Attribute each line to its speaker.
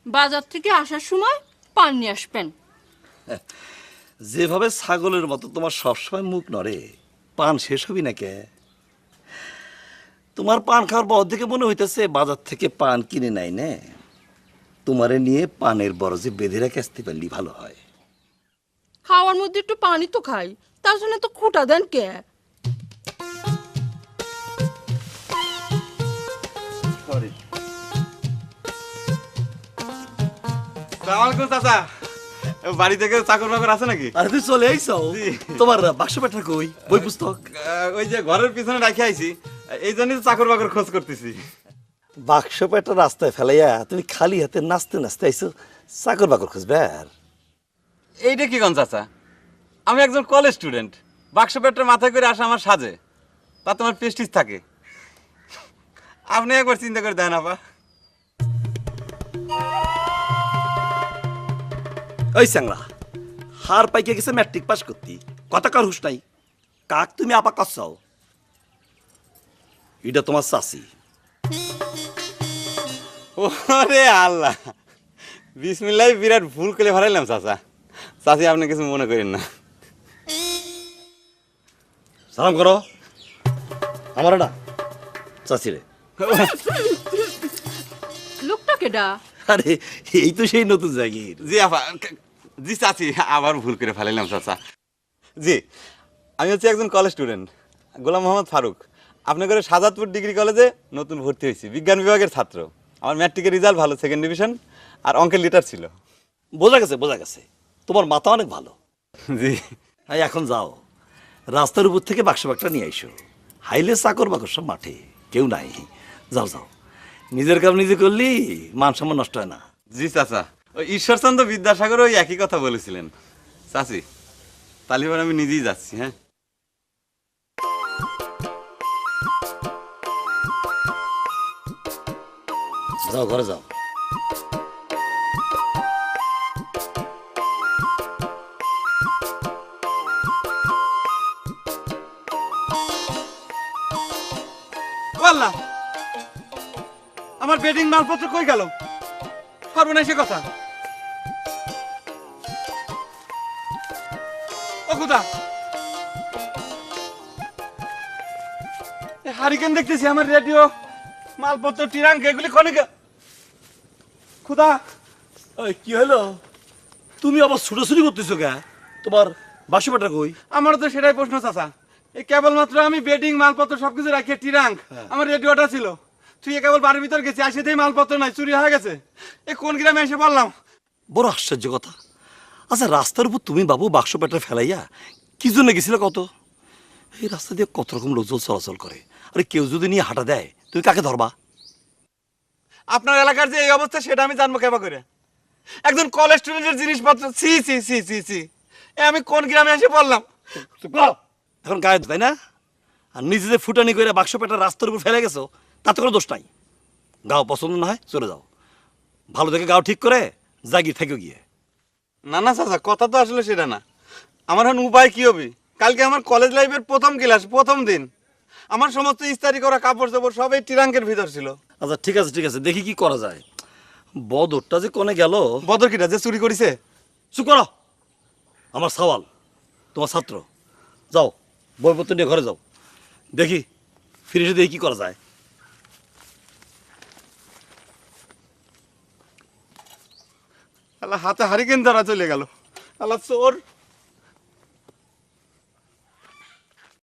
Speaker 1: বাজার থেকে আসার সময় পান নিয়ে আসবেন।
Speaker 2: যেভাবে ছাগলের মতো তোমার সবসময় মুখ নড়ে, পান শেষ হবি না কে? তোমার পান খাওয়ার পর থেকে মনে হইতেছে বাজার থেকে পান কিনে নাই নে, তোমারে নিয়ে পানের বরজে বেঁধে রেখে আসতে পারলি ভালো হয়।
Speaker 1: খাওয়ার মধ্যে একটু পানি তো খাই, তার জন্য তো খুঁটা দেন কে?
Speaker 3: সালামালাইকুম চাচা, বাড়ি থেকে চাকর বাকর আছে নাকি?
Speaker 2: আরে তুই চলে আইছো? তোমার বাক্স পেটা কই, বই পুস্তক?
Speaker 3: ওই যে ঘরের পিছনে রাখি আইছি, এই জন্যই চাকর বাকর খোঁজ করতেছি।
Speaker 2: বাক্স পেটা রাস্তায় ফেলাইয়া তুমি খালি হাতে নাচতে নাচতে আইছো চাকর বাকর খুঁজবে? আর
Speaker 3: এইটা কি কোন চাচা, আমি একজন কলেজ স্টুডেন্ট, বাক্স পেটটা মাথায় করে আসা আমার সাজে, তা তোমার প্রেস্টিজ থাকে। আপনি একবার চিন্তা করে দেন আপা।
Speaker 2: ওই স্যাংরা, হার পাইকে গেছে ম্যাট্রিক পাস করতি, কথা কার হুশ নাই? কাক তুমি আপা কাছাও? এটা তোমার চাষি।
Speaker 3: ওরে আল্লাহ, বিসমিল্লাহ, বিরাট ভুল করে ফেলাইলাম চাচা। চাচি আপনি কিছু মনে করেন না।
Speaker 2: সালাম করো আমার না চাষি রে।
Speaker 1: লোকটা কেডা?
Speaker 2: আরে এই তো সেই নতুন জাগির।
Speaker 3: জি আপা, জি চাচি, আবার ভুল করে ফেলাইলাম চাচা। জি, আমি হচ্ছে একজন কলেজ স্টুডেন্ট, গোলাম মোহাম্মদ ফারুক। আপনার ঘরে সাজাদপুর ডিগ্রি কলেজে নতুন ভর্তি হয়েছি, বিজ্ঞান বিভাগের ছাত্র। আমার ম্যাট্রিকের রেজাল্ট ভালো, সেকেন্ড ডিভিশন, আর অঙ্কের লিটার ছিল।
Speaker 2: বোঝা গেছে বোঝা গেছে, তোমার মাথা অনেক ভালো।
Speaker 3: জি।
Speaker 2: এই এখন যাও, রাস্তার উপর থেকে বাক্স বাক্সটা নিয়ে আইসো। হাইলে চাকর বাকর সব মাঠে, কেউ নাই। যাও যাও, নিজের কাম নিজে করলি মান সম্মান নষ্ট হয় না।
Speaker 3: জি চাচা, ওই ঈশ্বরচন্দ্র বিদ্যাসাগর ওই একই কথা বলেছিলেন। চাচি, তালিবান আমি নিজেই যাচ্ছি। হ্যাঁ,
Speaker 2: যাও ঘরে যাও।
Speaker 3: আল্লাহ, আমার বেডিং মালপত্র কই গেল? সর্বনাশী কথা। ও খুদা, হারিকেন দেখতেছি, আমার রেডিও, মালপত্র, টিরাঙ্ক, এগুলি কনে খুদা।
Speaker 2: ওই কি হলো? তুমি আবার ছুটোছুটি করতেছো কে? তোমার বাক্স পেটা কই?
Speaker 3: আমারও তো সেটাই প্রশ্ন চাচা। এই কেবলমাত্র আমি বেডিং মালপত্র সবকিছু রাখি, টিরাঙ্ক, আমার রেডিওটা ছিল। তুই কেবল বাড়ির ভিতর গেছি, আসেতেই মালপত্র নাই, চুরি হয়ে গেছে। এ কোন গ্রামে এসে বললাম।
Speaker 2: বড় আশ্চর্য কথা। আচ্ছা, রাস্তার উপর তুমি বাবু বাক্স পেটা ফেলাইয়া কি জন্য গেছিলে কত? এই রাস্তা দিয়ে কত রকম লোকজন চলাচল করে, আরে কেউ যদি নিয়ে হাঁটা দেয় তুমি কাকে ধরবা?
Speaker 3: আপনার এলাকার যে এই অবস্থা সেটা আমি জানবো কেবা করে? একজন কলেজ স্টুডেন্টের জিনিসপত্র, সি সি সি সি সি, এ আমি কোন গ্রামে এসে বললাম।
Speaker 2: এখন গায়ে তাই না? আর নিজে যে ফুটানি করে বাক্স পেটা রাস্তার উপর ফেলে গেছো, তাতে কোনো দোষ নাই। গাও পছন্দ না হয় চলে যাও, ভালো দেখে গাও ঠিক করে জাগির থেকে গিয়ে।
Speaker 3: না না চাচা, কথা তো আসলে সেটা না। আমার এখন উপায় কি হবে? কালকে আমার কলেজ লাইফের প্রথম ক্লাস, প্রথম দিন। আমার সমস্ত ইস্তারি করা কাপড় চাপড় সব এই টিরাঙ্কের ভিতর ছিল।
Speaker 2: আচ্ছা ঠিক আছে ঠিক আছে, দেখি কি করা যায়। বদরটা যে কোনে গেল?
Speaker 3: বদর কিটা যে চুরি করেছে?
Speaker 2: চুপ করো, আমার সওয়াল, তোমার ছাত্র। যাও, বইপত্র নিয়ে ঘরে যাও, দেখি ফিরে এসে দেখি কি করা যায়।
Speaker 3: আল্লাহ, হাতে হারিকেন ধরা চলে গেল। আল্লাহ, চোর।